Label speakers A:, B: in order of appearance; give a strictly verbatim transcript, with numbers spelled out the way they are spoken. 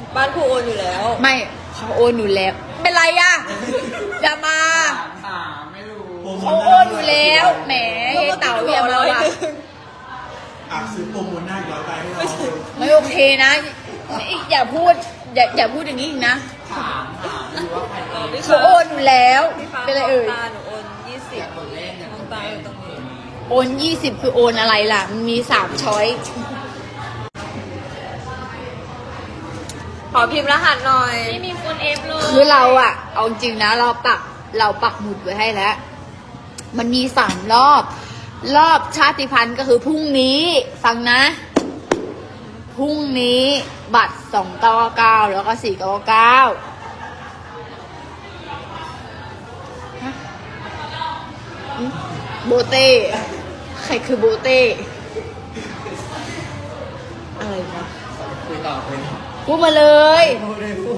A: บ้านครูโอนอยู่แล้ว
B: ไม่เขาโอนอยู่แล้วเป็นไรอะอย่ามา
C: ถามไม่รู้
B: เขาโอนอยู่แล้วแหมยายเต๋าอย่ามาว่ะ
D: อ่ะซื้อโปรโมทหน้าย้อนไปให้เรา
B: ไม่โอเคนะอย่าพูดอย่าอย่าพูดอย่างนี้อีกนะ
C: ถามถามดูว่าใครเอง
B: เขาโอนอยู่แล้ว
A: พี่ฟ้า
B: เป็นไรเอ่ย
A: ตาหนูโอนยี่สิบ
C: คนเล่นเนี่ย
A: น้องตาอยู่ตรงนี้
B: โอนยี่สิบคือโอนอะไรล่ะมันมีสามช้อย
A: ขอพิมพ์รหัสหน่อย
E: ไม่มีคนเอฟเลย
B: คือเราอะเอาจริงนะเราปักเราปักหมุดไว้ให้แล้ว มันมีสามรอบ รอบชาติพันธุ์ก็คือพรุ่งนี้ ฟังนะ พรุ่งนี้บัตรสองเก้าเก้าแล้วก็สี่เก้าเก้าโบเต้ใครคือโบเต้อะไรวะ
C: คุยต่อคุยต่อ
B: พูดมาเลย
C: พูดได้พูด